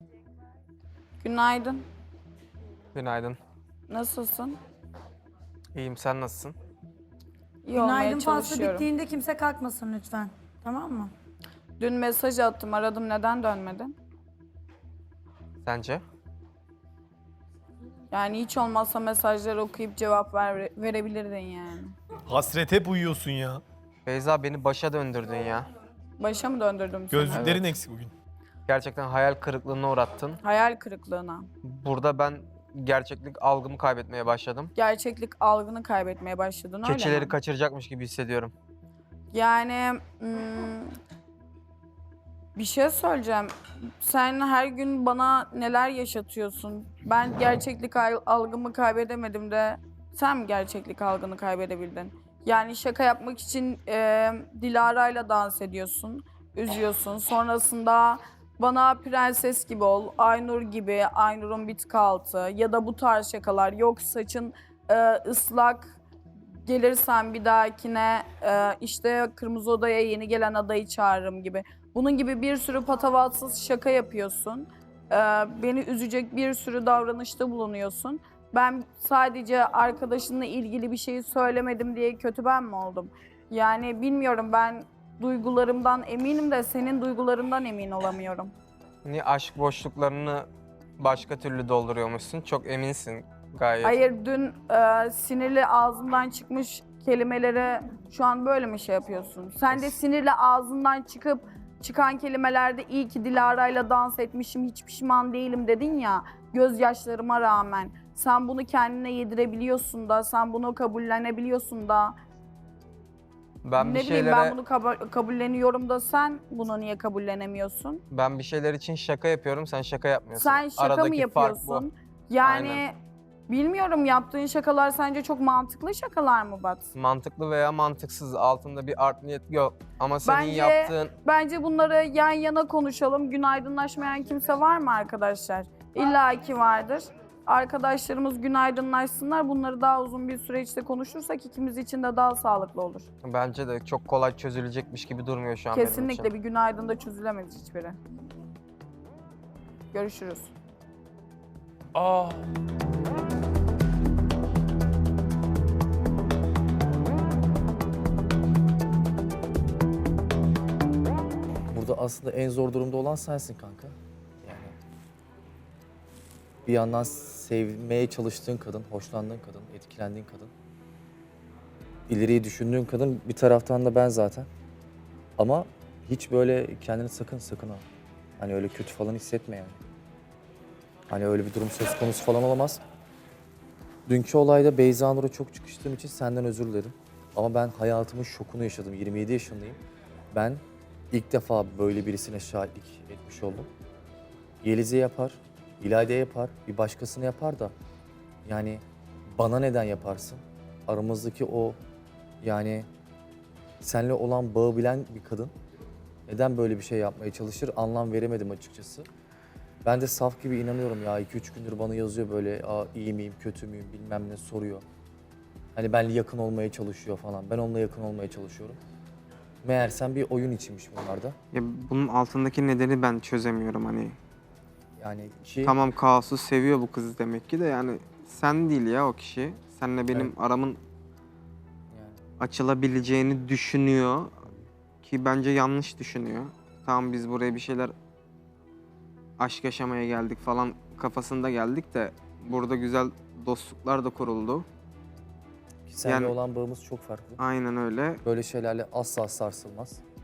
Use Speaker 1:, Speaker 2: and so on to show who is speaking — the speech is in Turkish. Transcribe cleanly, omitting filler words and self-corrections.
Speaker 1: Günaydın.
Speaker 2: Günaydın.
Speaker 1: Nasılsın?
Speaker 2: İyiyim, sen nasılsın?
Speaker 1: İyi olmaya
Speaker 3: Günaydın faslı
Speaker 1: çalışıyorum.
Speaker 3: bittiğinde kimse kalkmasın lütfen. Tamam mı?
Speaker 1: Dün mesaj attım, aradım. Neden dönmedin?
Speaker 2: Sence?
Speaker 1: Yani hiç olmazsa mesajları okuyup cevap verebilirdin yani.
Speaker 4: Hasret hep uyuyorsun ya.
Speaker 2: Beyza beni başa döndürdün ya.
Speaker 1: Başa mı döndürdüm seni?
Speaker 4: Gözlüklerin eksik bugün.
Speaker 2: Gerçekten hayal kırıklığına uğrattın.
Speaker 1: Hayal kırıklığına.
Speaker 2: Burada ben gerçeklik algımı kaybetmeye başladım.
Speaker 1: Gerçeklik algını kaybetmeye başladın öyle
Speaker 2: Keçileri
Speaker 1: mi?
Speaker 2: kaçıracakmış gibi hissediyorum.
Speaker 1: Yani bir şey söyleyeceğim. Sen her gün bana neler yaşatıyorsun? Ben gerçeklik algımı kaybedemedim de sen mi gerçeklik algını kaybedebildin? Yani şaka yapmak için Dilara'yla dans ediyorsun, üzüyorsun. Sonrasında bana prenses gibi ol, Aynur gibi, Aynur'un bir tık altı ya da bu tarz şakalar. Yok saçın ıslak, gelirsen bir dahakine işte kırmızı odaya yeni gelen adayı çağırırım gibi. Bunun gibi bir sürü patavatsız şaka yapıyorsun. Beni üzecek bir sürü davranışta bulunuyorsun. Ben sadece arkadaşınla ilgili bir şeyi söylemedim diye kötü ben mi oldum? Yani bilmiyorum, ben duygularımdan eminim de senin duygularından emin olamıyorum.
Speaker 2: Niye aşk boşluklarını başka türlü dolduruyormuşsun? Çok eminsin gayet.
Speaker 1: Hayır, dün sinirli ağzımdan çıkmış kelimelere şu an böyle mi şey yapıyorsun? Sen de sinirli ağzından çıkan kelimelerde iyi ki Dilara'yla dans etmişim, hiç pişman değilim dedin ya, gözyaşlarıma rağmen. Sen bunu kendine yedirebiliyorsun da, sen bunu kabullenebiliyorsun da.
Speaker 2: Ben
Speaker 1: Ne
Speaker 2: bir
Speaker 1: bileyim,
Speaker 2: şeylere
Speaker 1: ben bunu kabulleniyorum da sen bunu niye kabullenemiyorsun?
Speaker 2: ben bir şeyler için şaka yapıyorum, sen şaka yapmıyorsun.
Speaker 1: Sen şaka mı
Speaker 2: Aradaki fark bu.
Speaker 1: yapıyorsun? Yani
Speaker 2: Aynen.
Speaker 1: bilmiyorum, yaptığın şakalar sence çok mantıklı şakalar mı Bat?
Speaker 2: Mantıklı veya mantıksız, altında bir art niyet yok. Ama senin
Speaker 1: Bence-
Speaker 2: yaptığın
Speaker 1: Bence bunları yan yana konuşalım. Günaydınlaşmayan kimse var mı arkadaşlar? İlla ki vardır. Arkadaşlarımız günaydınlaşsınlar. Bunları daha uzun bir süreçte konuşursak ikimiz için de daha sağlıklı olur.
Speaker 2: bence de çok kolay çözülecekmiş gibi durmuyor şu an benim için.
Speaker 1: Kesinlikle bir günaydında çözülemez hiçbiri. Görüşürüz.
Speaker 4: Aa.
Speaker 5: Burada aslında en zor durumda olan sensin kanka. Yani bir yandan sevmeye çalıştığın kadın, hoşlandığın kadın, etkilendiğin kadın. İleriyi düşündüğün kadın, bir taraftan da ben zaten. Ama hiç böyle kendini sakın ha. Hani öyle kötü falan hissetme yani. Hani öyle bir durum söz konusu falan olamaz. Dünkü olayda Beyza Nur'a çok çıkıştığım için senden özür dilerim. Ama ben hayatımın şokunu yaşadım. 27 yaşındayım. Ben ilk defa böyle birisine şahitlik etmiş oldum. Yeliz'e yapar, İlayda'ya yapar, bir başkasına yapar da yani bana neden yaparsın? Aramızdaki o yani seninle olan bağı bilen bir kadın neden böyle bir şey yapmaya çalışır anlam veremedim açıkçası. Ben de saf gibi inanıyorum ya 2-3 gündür bana yazıyor böyle iyi miyim kötü müyüm bilmem ne soruyor. Hani benimle yakın olmaya çalışıyor falan. Ben onunla yakın olmaya çalışıyorum. Meğersem bir oyun içinmiş bunlarda.
Speaker 2: Ya bunun altındaki nedeni ben çözemiyorum hani.
Speaker 5: Yani ki
Speaker 2: Tamam, kaosu seviyor bu kız demek ki de yani sen değil ya o kişi. Seninle benim
Speaker 5: Evet.
Speaker 2: aramın
Speaker 5: yani
Speaker 2: açılabileceğini düşünüyor ki bence yanlış düşünüyor. Tamam, biz buraya bir şeyler aşk yaşamaya geldik falan kafasında geldik de burada güzel dostluklar da kuruldu.
Speaker 5: seninle
Speaker 2: yani-
Speaker 5: olan bağımız çok farklı.
Speaker 2: Aynen öyle.
Speaker 5: Böyle şeylerle asla sarsılmaz.